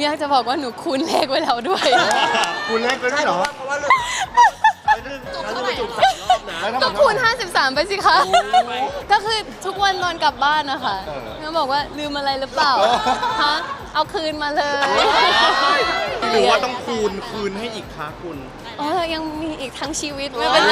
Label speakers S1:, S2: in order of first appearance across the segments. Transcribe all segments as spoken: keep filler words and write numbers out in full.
S1: อยากจะบอกว่าหนูคูณเลขไว้แล้วด้วย
S2: คุณเล่นกันด้วยเหรอ
S3: เพราะว่าเราเราจะจุกสามรอบนะ
S2: แล้วทำไม
S1: ก็คูณห้าสิบสามไปสิคะ ก็คือทุกวันตอนกลับบ้านนะคะ
S2: เออ
S1: เขาบอกว่าลืมอะไรหรือเปล่า ฮะ เอาคืนมาเลย
S3: หรือว่าต้องคูณคืนให้อีกคะคุณ
S1: เออยังมีอีกทั้งชีวิตไม่เป็นไร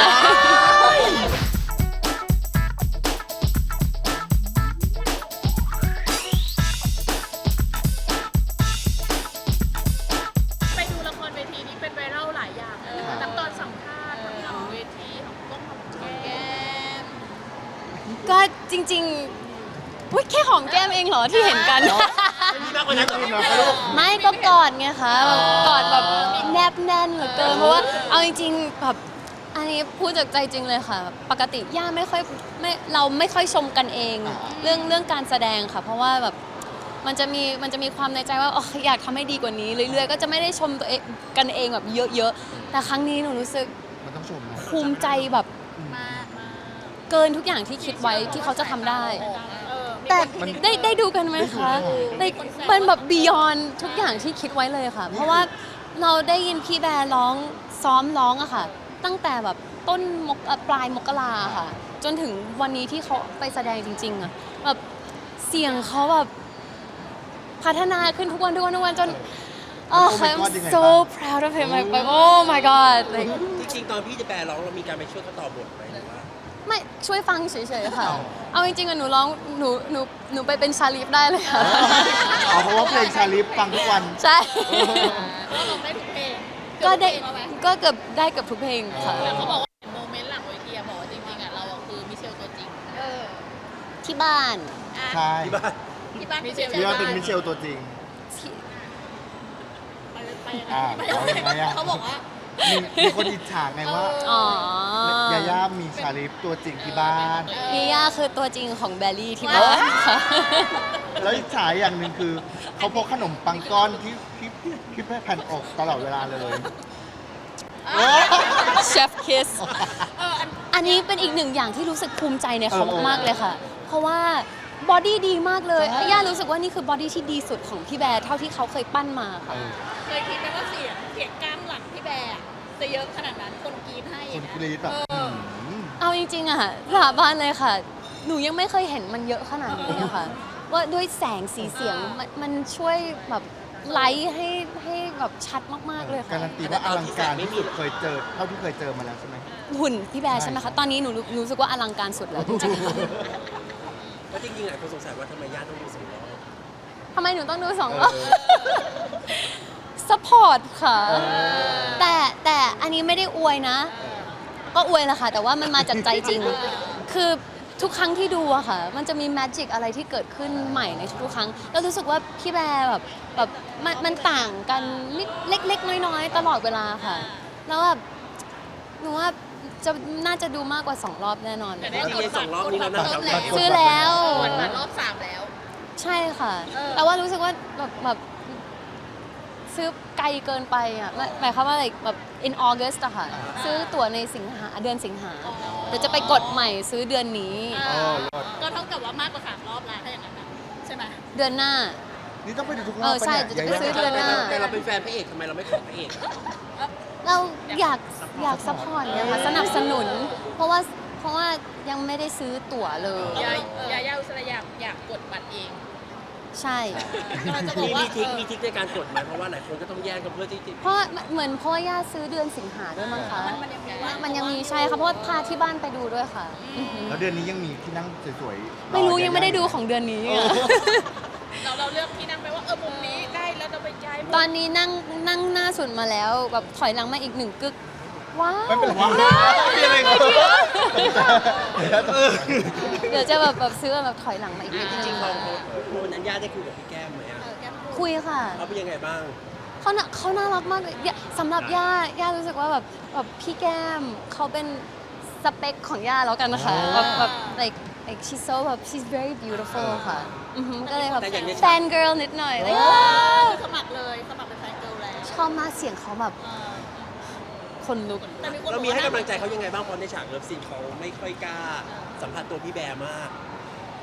S4: ไปดูละครเวทีนี้เป็นไวรัลหลายอย่างเออทั้งตอนสัมภาษณ์ทั้งหลังเวทีของก้องของแก้ม
S1: ก็จริงๆอุ๊ยแค่หอมแก้มเองเหรอที่เห็นกัน
S3: มีมากกว่านั้นเหรอ
S1: ไม่ก็กอดไงคะแบบกอดแบบแนบแน่นเหลือเกินเพราะว่าเอาจริงๆแบบอันนี้พูดจากใจจริงเลยค่ะ ปกติย่าไม่ค่อยไม่เราไม่ค่อยชมกันเอง เรื่องเรื่องการแสดงค่ะ เพราะว่าแบบมันจะมีมันจะมีความในใจว่าอ๋ออยากทำให้ดีกว่านี้เรื่อยๆก็จะไม่ได้ชมตัวเองกันเองแบบเยอะๆแต่ครั้งนี้หนูรู้สึก
S2: มันต้องชมนะ
S1: ภูมิใจแบบ
S4: มากมาก
S1: เกินทุกอย่างที่คิดไว้ที่เขาจะทำได้
S4: เออ
S1: แต่ได้ได้ดูกันไหมคะได้เป็นแบบ beyond ทุกอย่างที่คิดไว้เลยค่ะ เพราะว่าเราได้ยินพี่แบร์ร้องซ้อมร้องอะค่ะ ตั้งแต่แบบต้นมกเอ่อปลายมกราค่ะ จนถึงวันนี้ที่เขาไปแสดงจริงๆอะแบบเสียงเขาแบบพัฒนาขึ้นทุกวันทุกวันทุกวันจน oh I'm so proud of him like oh my god like
S3: จริงๆตอนพี่จะแปลร้องเรามีการไปช่วยเขาต่อบทไหมหรือว่า
S1: ไม่ช่วยฟังเฉยๆค่ะ เอาจริงๆอะหนูร้องหนูหนูหนูไปเป็นชาลีฟได้เลยค่ะ
S2: เอาเพราะว่าเพลงชาลิฟฟังทุกวัน
S1: ใช่
S4: ก็ลงได้ทุกเพลง
S1: ก็ได้
S4: เกือบทุกเพลงแล้วไหม
S1: ก็เกือบได้เกือบทุกเพลงค่ะ
S4: แต่เขาบอกว่าเห็นโมเมนต์หลังเวทีอะบอกว่าจริงๆอะเราอะคือมิเชลตัวจริงเออ
S1: ที่บ้าน
S4: อ่ะ
S2: ใช่
S3: ที่บ้าน
S4: ที่บ้านมิเชล
S2: พี่ว่าเป็นมิเชลตัวจริง
S1: ที่
S4: ไปไปยังไง
S2: อ่า
S4: ไปยังไง
S2: เอายังไงอะ
S4: เขาบอกว่า
S2: มีมีคนอิจฉาไงว่า
S1: อ๋อ
S2: ยาย่ามีชาลิฟตัวจริงที่บ้าน
S1: นี่ย่าคือตัวจริงของแบลลี่ที่บ้านค่ะ
S2: แล้วอิจฉาอย่างหนึ่งคือ เขาพกขนมปังก้อนที่ที่ที่แผ่นอกตลอดเวลาเลย
S1: เชฟคิส อันนี้เป็นอีกหนึ่งอย่างที่รู้สึกภูมิใจในเขา
S2: เออ
S1: มากๆเลยค่ะ เพราะว่าบอดี้ดีมากเลย
S2: ใช่
S1: ย่ารู้สึกว่านี่คือบอดี้ที่ดีสุดของพี่แบร์เท่าที่เขาเคยปั้นมา
S2: เอ
S1: ค่ะ
S2: อ
S4: เคยคิดไหมว่าเสียงเสียงกล้ามหลังพี่แบร์อะจะเยอะขนาดนั้นคนกรีดให้
S2: คน
S4: นะ
S2: กรี๊ดแบบ
S4: เออ
S2: หืม
S1: เอาจริงๆอะค่ะสาบานเลยค่ะ หนูยังไม่เคยเห็นมันเยอะขนาดนี้อะค่ะ ว่าด้วยแสงสีเสียงมันมันช่วยแบบไลท์ให้ให้แบบชัดมากๆเลย
S2: กา
S1: ค่ะ
S2: รันตีว่าอลังการที่สุดเคยเจอเท่าที่เคยเจอมาแล้วใช่ไหม
S1: หุ่นพี่แบร์ใช่ไหมคะ ตอนนี้หนูรู้รู้สึกว่าอลังการสุดแล้วจริงๆค่ะ
S3: ก็จริงๆหลายคนสงสัยว่าทำไมญาติต้องดูสองรอบ
S1: ทำไมหนูต้องดูสอง
S2: เอ
S1: รอบ
S2: อ
S1: สปอร์ตค่ะ
S2: เออ
S1: แต่แต่อันนี้ไม่ได้อวยนะ ก็อวยแหละค่ะ แต่ว่ามันมาจากใจจริง คือทุกครั้งที่ดูอะค่ะ มันจะมีแมจิกอะไรที่เกิดขึ้นใหม่ในทุกๆครั้ง แล้วรู้สึกว่าพี่แบร์แบบแบบมันมันต่างกันนิดเล็กๆ น้อยๆ ตลอดเวลาค่ะ แล้วแบบหนูว่าจะน่าจะดูมากกว่าสองรอบแน่นอน
S4: แต่
S3: จ
S4: ได้
S3: ริงๆสองรอบนี้เราน่าจะ
S1: ซื้อแล้ว
S4: กดบัตรรอบสามแล้ว
S1: ใช่ค่ะ
S4: เออ
S1: แต่ว่ารู้สึกว่าแบบแบบซื้อไกลเกินไปอ่ะหมายหมายความว่าอะไรแบบ in August อะค่ะ ซื้อตั๋วในสิงหาเดือนสิงหาเดี๋ยวจะไปกดใหม่ซื้อเดือนนี้
S4: เอ
S2: โอ้
S4: อ
S2: รอด
S4: ก็เท่ากับว่ามากกว่าสามรอบแล้วถ้าอย่างนั้นนะใช่ไหม
S1: เดือนหน้า
S2: นี่ต้องไปดูทุกรอบ
S1: เออใช่
S2: ปะเนี่ย
S1: จะไปซื้อเดือนหน้า
S3: แต่เราเป็นแฟนพระเอกทำไมเราไม่ขอพระเอก
S1: เราอยากอยากซัพพอร์ตเนี่ยค่ะสนับสนุน เพราะว่าเพราะว่ายังไม่ได้ซื้อตั๋วเลย
S4: ยายายาอุสระอยากอยากกดบัตรเอง
S1: ใช่
S4: กำลังจะบอก
S3: มี
S4: ว่า
S3: มีทริคมีทริคในการกดไหมเพราะว่าหลายคนก็ต้องแย่งกันเพื่อที่จะ
S1: เพราะว่าเหมือนเพราะว่าย่าซื้อเดือนสิงหาด้วยมั้งคะ
S4: มันมันยังมี
S1: มันยังมีใช่ค่ะเพราะว่าพาที่บ้านไปดูด้วยค่ะอือหือ
S2: แล้วเดือนนี้ยังมีที่นั่งสวยๆ
S1: ไม่รู้
S2: อ
S1: ยังไม่ได้ดูของเดือนนี้อะ
S4: เราเราเลือกที่นั่งไปว่าเออมุมนี้ใกล้แล้วเราไปย้ายมุม
S1: ตอนนี้นั่งนั่งหน้าสุดมาแล้วแบบถอยหลังมาอีกหนึ่งกึก ว้าว
S2: ไม่เป็นไร
S1: ได้
S2: ไม่เป็นไรครับ
S1: เดี๋ยวจะแบบแบบซื้อแบบถอยหลังมาอีกนิด
S3: จ
S1: นึ
S3: ริง
S1: ง
S3: ๆพอโมนั้นญาติได้คุยกับพี่แก้มไหมอะ
S4: เออแก้มพูด
S1: คุยค่ะ
S3: เขาเป็นยังไงบ้าง
S1: เขาน่ะเขาน่ารักมากเลยย่าสำหรับย่าย่ารู้สึกว่าแบบแบบพี่แก้มเขาเป็นสเปคของย่าแล้วกันนะคะแบบแบบ like like she's so แบบ she's very beautiful ค่ะอือหือก็เลยแบบ
S3: แต่อย่างในฉาก
S1: แฟน girl นิดหน่อย like
S4: คือสมัครเลยสมัครเป็นแฟนเกิร์ลแล้ว
S1: ชอบมากเสียงเขาแบบ
S4: เออ
S1: คนลุก
S4: แต่มีคน
S3: เรา
S4: บอก
S3: มีให้
S4: ว่า
S3: กำลังใจเขายังไงบ้างเพราะในฉากเลิฟซีนเขาไม่ค่อยกล้าสัมผัสตัวพี่แบร์มาก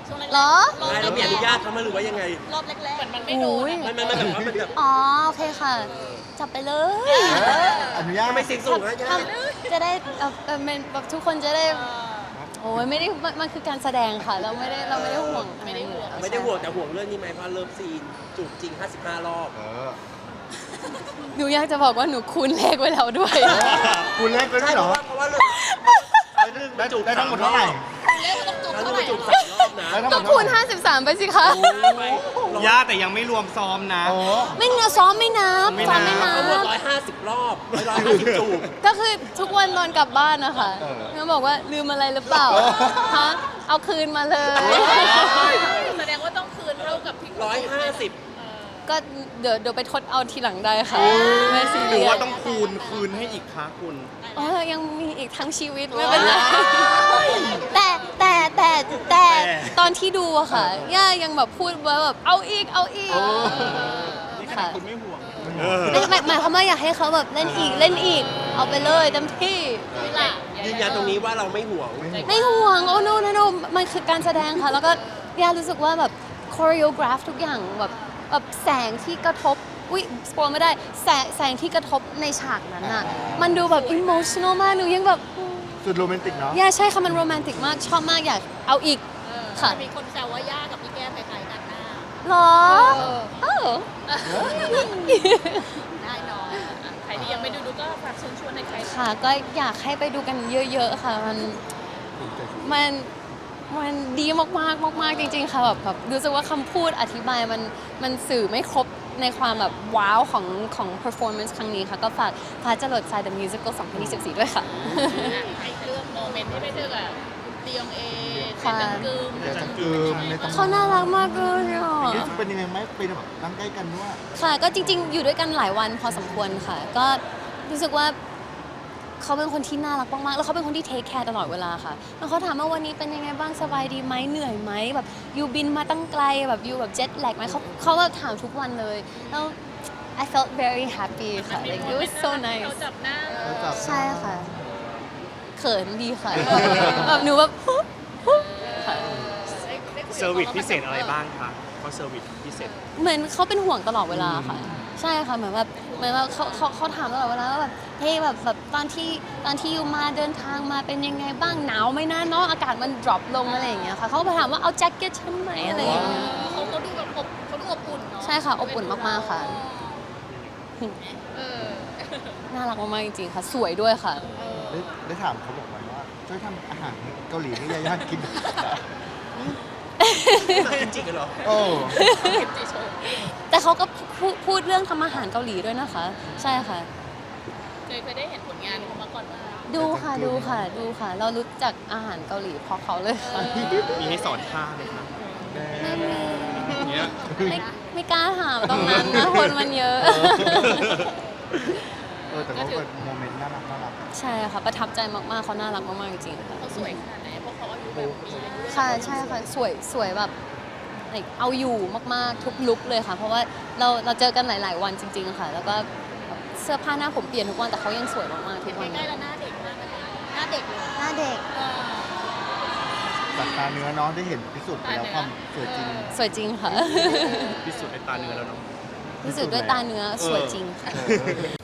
S4: ช่วงแรกๆ
S1: เหรอ
S4: รอบ
S5: ใช่
S4: แร
S5: เรา
S4: ก
S5: มีอนุญาตเขามาหรือว่ายังไง
S4: ๆรอบแรกๆเหมือนมันไม่โดน
S1: โอ้ย
S4: อะ
S5: มันมันมันแบบว่ามันแบบ
S1: อ๋อโอเคค่ะ จับไปเลย
S2: อนุญาต
S5: ทำไมเสียงสูงนะย่า
S1: ทำจะได้เอ่อเอ่อเป็นแบบทุกคนจะได้โอ้ยไม่ได้มันมันคือการแสดงค่ะ เราไม่ได้เราไม่ได้ห่วงไม่ได้ห่วง
S5: ไม่ได้ห่วงแต่ห่วงเรื่องนี้ไหมเพราะเลิฟซีนจูบจริงห้าสิบห้ารอบ
S2: เออ
S1: หนูอยากจะบอกว่าหนูคูณเลขไว้แล้วด้วย
S2: คุณเล็กไปด้
S5: ใช่
S2: วย
S5: เพ
S2: เหรอ
S5: ราะว่าเพราะว่าเรื่อง
S2: ได้ได้ทั้งหมดเท่าไหร่
S4: เรียกว่าต้องจุก
S5: ครั้ง
S4: เท่า
S5: นี้
S4: ไหร่
S5: มันจูบสามรอบนะ
S2: ได้ทั้งหม
S1: ก็
S2: ด
S1: คู
S2: เท่า
S1: ณ
S2: ไหร่
S1: ห้าสิบสามไปสิคะ
S3: ย่าแต่ยังไม่รวมซ้อมนะ
S2: โอ้
S1: ไม่เงาซ้อมไม่นับ
S3: ไม่
S1: ซ้
S3: นั
S1: อบ มไม่นั
S5: เขาหมด
S1: บ
S5: ร้อยห้าสิบรอบร้อยห้าสิบจูบ
S1: ก็คือทุกวันตอนกลับบ้านนะคะ
S2: เออ
S1: เขาบอกว่าลืมอะไรหรือเปล่า
S2: เออ
S1: ฮะเอาคืนมาเลย
S4: แสดงว่าต้องคืนเท่ากับที่
S5: ร้อยห้าสิบ
S1: ก็เดี๋ยวเดี๋ยวไปทดเอาทีหลังได้ค่ะไม่ซี
S3: ห
S1: เรี
S3: รือย
S1: ส
S3: ว่าต้องคูณคืนให้อีกคะคุณ
S1: อ๋อยังมีอีกทั้งชีวิตไม่เป็นไรแต่แต่แต่แต่ตอนที่ดูอะค่ะ ย่ายังแบบพูดว่าแบบเอาอีกเอาอีก
S3: นี่ขนา
S1: ค่ะ
S3: ดคุณไม่ห่วง
S1: ไม่หมายหมายความว่าอยากให้เขาแบบเล่นอีกเล่นอีก เอาไปเลยเต็มที่
S4: นี่แหละ
S5: ยืนยันตรงนี้ว่าเราไม่ห่วง
S1: ไม่ห่วงโอ้ no no no มันคือการแสดงค่ะ แล้วก็ย่ารู้สึกว่าแบบคอริโอ r a ราฟทุกอย่างแบบแบบแสงที่กระทบอุ้ยสปอยไม่ได้แสงแสงที่กระทบในฉากนั้นอะมันดูแบบอิโมชั่นอลมากหนูยังแบบ
S2: สุดโรแมนติกเนาะ
S1: ย่าใช่ค่ะมันโรแมนติกมากชอบมากอยากเอาอีก ค่ะ
S4: มีคนแซวว่าย่ากับพี่แก้มคล้ายๆกันหน้า
S1: หรอเออ
S4: ได้เนอะอ่ะใครที่ยังไม่ดูดูก็ฝากเชิญชวนในใคร
S1: ค่ะก็อยากให้ไปดูกันเยอะๆค่ะ มันมันมันดีมากๆมากๆจริงๆค่ะแบบแบบรู้สึกว่าคำพูดอธิบายมันมันสื่อไม่ครบในความแบบว้าวของของ performance ครั้งนี้ค่ะ ก็ฝากฟ้าจรดทราย The Musical สองพันยี่สิบสี่ด้วยค่ะ
S4: ไอ้เรื่องโมเมนต์ที่ไปเจอกับเตียงเอ
S1: ค่ะ
S4: เป็นกึม
S2: เดี๋ยวจะกึมในตำ
S1: เขาน่ารักมากเลยอ่ะ
S2: รู้สึกเป็นยังไงไหมเป็นแบบนั่งใกล้กันด้วย
S1: ค่ะก็จริงๆ อยู่ด้วยกันหลายวันพอสมควรค่ะ ก็รู้สึกว่าเขาเป็นคนที่น่ารักมากๆ แล้วเขาเป็นคนที่เทคแคร์ตลอดเวลาค่ะ แล้วเขาถามว่าวันนี้เป็นยังไงบ้างสบายดีไหมเหนื่อยไหมแบบยูบินมาตั้งไกลแบบยูแบบเจ็ตแลกไหมเขาเขาแบบถามทุกวันเลยแล้ว I felt very happy ค่ะ like it was so
S4: เขา
S1: nice
S4: จับหน้า
S2: เขาจับ
S1: ใช่ค่ะ เขินดีค่ะแบบหนูแบบ ค่ะ
S3: เซอร์วิสพิเศษอะไรบ้างคะเขาเซอร์วิสพิเศษ
S1: เหมือนเขาเป็นห่วงตลอดเวลาค่ะ ใช่ค่ะเหมือนแบบเหมือนแบบเขาเขาเขาถามตลอดเวลาว่าแบบเฮ้ยแบบแบบตอนที่ตอนที่อยู่มาเดินทางมาเป็นยังไงบ้างหนาวไหมนะเนาะอากาศมัน drop ลงอะไรอย่างเงี้ยค่ะเขาก็ไปถามว่าเอาแจ็คเก็ตฉันไหมอะไรอย่างเงี้ย
S4: เขาเขาดูแบบอบเขาดูอบอุ่นเนาะ
S1: ใช่ค่ะอบอุ่นมากๆค่ะ
S4: เออ
S1: น่ารักมากๆจริงๆค่ะ สวยด้วยค่ะ
S2: ได้ได้ถามเขาบอกไว้ว่าช่วยทำอาหารเกาหลีให้ยาย่ากิน
S5: จริงๆกันเหรอ
S2: โอ้
S4: จีโชว์
S1: แต่เขาก็พูดพูดเรื่องทำอาหารเกาหลีด้วยนะคะ ใช่ค่ะ
S4: เคยเคยได้เห็นผลงานเขามาก่อนว่า
S1: ดูค่ะดูค่ะดูค่ะ เรารู้จักอาหารเกาหลีเพราะเขาเลยค่ะ
S3: มีให้สอนท่าไหมคะ
S1: ไม่มี
S3: เนี้ย
S1: ไม่ไม่กล้าถามตรงนั้นนะคนมันเยอะ
S2: เออแต่เขาเป็นโมเมนต์น่ารักน่ารัก
S1: ใช่ค่ะ ประทับใจมากๆเขาน่ารักมากๆจริงๆค่ะ
S4: เขาสวยขนาดไหนเพราะเขาอายุแบบมีอายุ
S1: ค่ะใช่ค่ะสวยสวยแบบ like เอาอยู่มากๆทุกลุคเลยค่ะ เพราะว่าเราเราเจอกันหลาย ๆ วันจริง ๆ ค่ะ แล้วก็เสื้อผ้าหน้าผมเปลี่ยนทุกวันแต่เขายังสวยมากๆทุกวัน
S4: ใกล้ๆแล้วหน้าเด็กมากเลยหน้าเด็กเลย
S1: หน้าเด็ก
S2: ตัดตาเนื้อเน้องได้เห็นพิสูจน์ไปแล้วความสวยจริง
S1: สวยจริงค่ะ
S3: พิสูจน์ในตาเนื้อแล้วเนาะ
S1: รู้สึกด้วยตาเนื้อสวยจริงค่ะ
S2: เออ